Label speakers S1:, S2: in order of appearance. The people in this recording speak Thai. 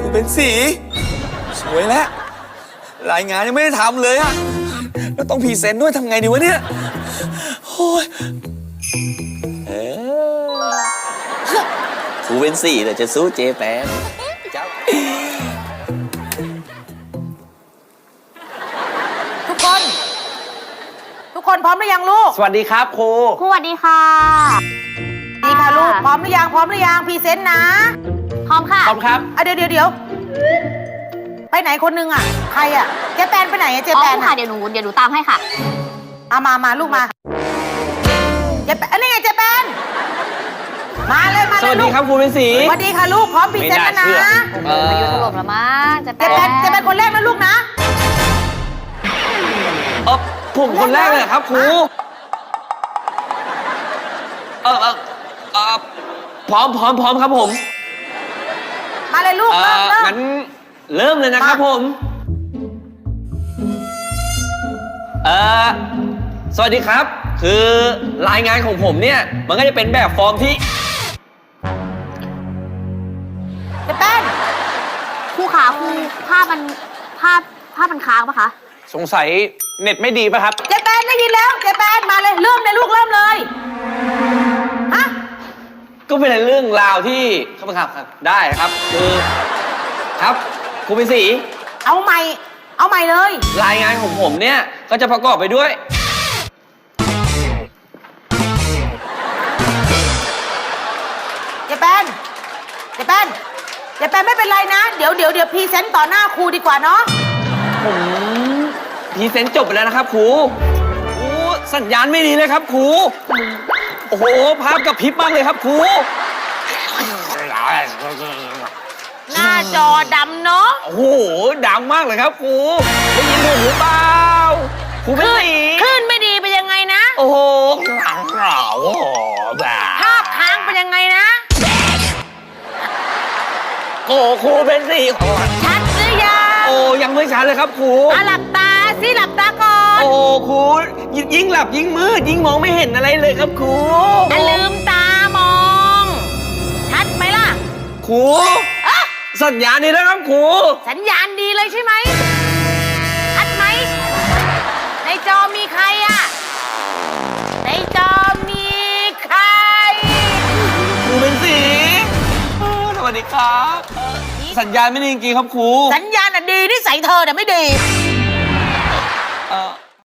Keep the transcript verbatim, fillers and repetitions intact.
S1: เป็นสีสวยแล้วรายงานยังไม่ได้ทำเลยอะแล้วต้องพรีเซนต์ด้วยทำไงดีวะเนี่ยโอ้ยเออครูเป็นสีแต่จะสู้เจแปนเจ้า
S2: ทุกคน ทุกคนพร้อมหรือยังลูก
S3: สวัสดีครับครู
S4: สวัสดีค่ะ
S2: ดีค่ะลูกพร้อมหรือยังพร้อมหรือยังพรีเซนต์นะ
S4: พร้อมค่ะ
S3: พร้อมครับ
S2: อ่ะเดี๋ยวเดี๋ยวเดี๋ยวไปไหนคนนึงอ่ะใครอ่ะเจแปนไปไหนอ่ะเจ
S4: อ๋อ
S2: แปน
S4: ค่ะ
S2: อ่ะ
S4: เดี๋ยวหนูเดี๋ยวหนูตามให้ค่ะ
S2: เอามามาลูกมาเจแปนอันนี้ไงเจแปนมาเลยมา
S3: ส
S2: เลย
S3: วัส
S2: ลู
S3: ดี
S2: ก
S3: ครับครูเป็นสี
S2: สวัสดีค่ะลูกพร้อมพรีเซนต์แล้วนะ
S3: เอ่อ
S4: มายุถล่มแล้วมั้งจะ
S2: เจแปนเจแปนคนแรกนะลูกนะ
S3: เออผมคนแรกเลยเหรอครับครูเออเออเออพร้อมพร้อมพร้อมครับผม
S2: มาเลยลูก
S3: เอ
S2: เริ่ม
S3: อ
S2: เริ่ม
S3: งั้นเริ่มเลยนะครับ
S2: มา
S3: ผมเออสวัสดีครับ คือรายงานของผมเนี่ยมันก็จะเป็นแบบฟอร์มที่
S2: เจแปน
S4: ครูขาครูภาพมันภาพภาพมันค้างปะคะ
S3: สงสัยเน็ตไม่ดีป่ะครับ
S2: เจแปนได้ยินแล้วเจแปนมาเลยเริ่มเลยลูกเริ่มเลยฮะ
S3: ก็เป็นเรื่องราวที่ครับครับครับได้ครับคือครับครูเป็นสี
S2: เอาใหม่เอาใหม่เลย
S3: รายงานของผมเนี่ยก็จะประกอบไปด้วย
S2: เจแปนเจแปนเจแปนไม่เป็นไรนะ เดี๋ยวเดี๋ยวเดี๋ยวพรีเซนต์ต่อหน้าครูดีกว่าเนาะ
S3: ผมพรีเซนต์จบไปแล้วนะครับครูโอ้สัญญาณไม่ดีเลยครับครูโอ้โหภาพกระพริบมากเลยครับครู
S2: หน้าจอดำเนาะ
S3: โอ้โหดังมากเลยครับครูได้ยินผมหรือเปล่าครูเป็นสี
S2: คลื่นไม่ดีเป็นยังไงนะ
S3: โอ้โหหลังเราโอ้โหแบบ
S2: ภาพค้างเป็นยังไงนะ
S3: โอ้ครูเป็นสี
S2: ชัดหรือยัง
S3: โอ้ยังไม่ชัดเลยครับครู
S2: อ่ะหลับตาสิหลับตาก่อน
S3: โอ้ครูยิ่งหลับยิ่งมืดยิ่งมองไม่เห็นอะไรเลยครับครู
S2: อ่ะลืมตามอง ชัดไหมล่ะ
S3: ครู
S2: อ่ะ
S3: สัญญาณนี้นะครับครู
S2: สัญญาณดีเลยใช่ไหมชัดไหมในจอมีใครอะในจอมีใคร
S3: ครูเป็นสีเออสวัสดีครับเอ่อสัญญาณไม่ดีจริงๆครับครู
S2: สัญญาณอะดีนิสัยเธอแต่ะไม่ดี
S3: เอ่อ